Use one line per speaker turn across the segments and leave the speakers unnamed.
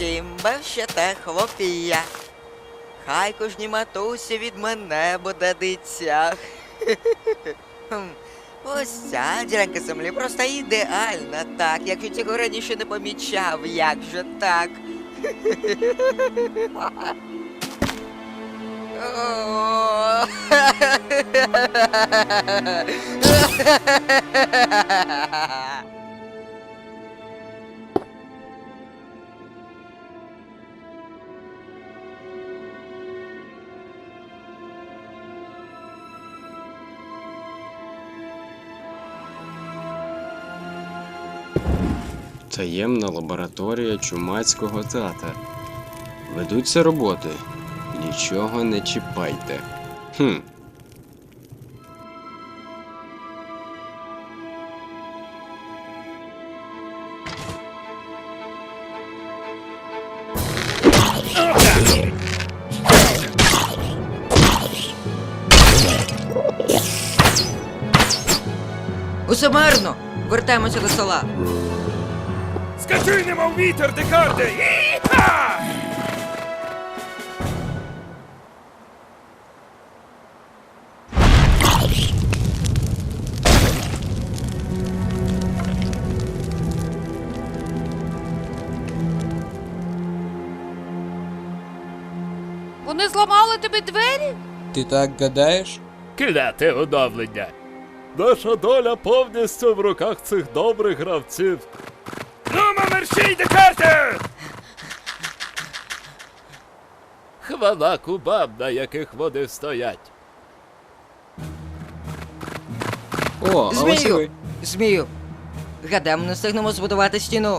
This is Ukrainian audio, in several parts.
кімба ще те хлопія. Хай кожній матусі від мене буде дитя. Ось ця ділянка землі просто ідеальна, так. Якщо цього раніше не помічав, як же так? О.
Таємна лабораторія чумацького тата. Ведуться роботи. Нічого не чіпайте.
Усе марно! Вертаємося до села.
Скачуй, немов вітер, Декарде! Іха!
Вони зламали тобі двері?
Ти так гадаєш?
Кляте оновлення. Наша доля повністю в руках цих добрих гравців. Ну, мерщій, Декарде! Хвала кубам, на яких вони стоять.
О, а ось і
Змію!
ви.
Змію! Гадаємо, не встигнемо збудувати стіну.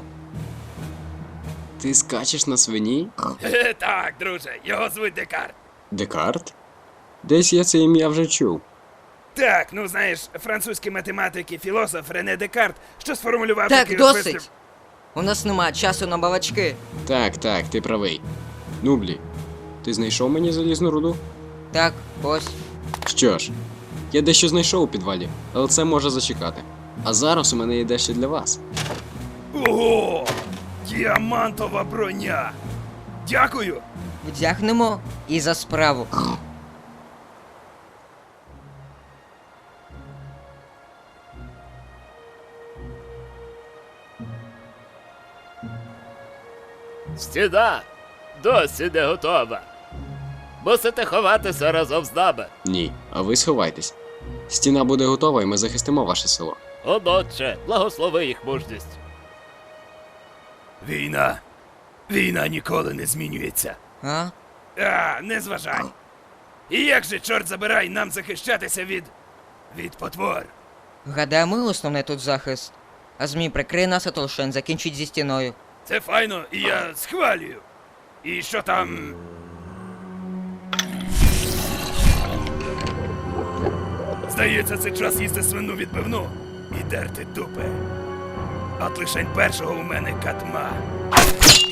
Ти скачеш на свині?
Так, друже, його звуть Декарт.
Декарт? Десь я це ім'я вже чув.
Так, ну знаєш, французький математик і філософ Рене Декарт, що сформулював
Так,
такий
досить!
вислів.
У нас нема часу на балачки.
Так, ти правий. Нублі, ти знайшов мені залізну руду?
Так, ось.
Що ж, я дещо знайшов у підвалі, але це може зачекати. А зараз у мене є дещо для вас.
Ого! Діамантова броня! Дякую!
Вдягнемо і за справу.
Стіна досі не готова. Мусите ховатися разом з нами.
Ні, а ви сховайтесь. Стіна буде готова і ми захистимо ваше село.
Отче, благослови їх мужність. Війна ніколи не змінюється.
А?
Не зважай. І як же, чорт забирай, нам захищатися від потвор?
Гадаю, ми основний тут захист. А змій прикриє нас, а Толшен закінчить зі стіною.
Це файно, і я схвалюю. І що там? Здається, це час їсти свину відбивну і дерти дупи. От лишень першого у мене катма.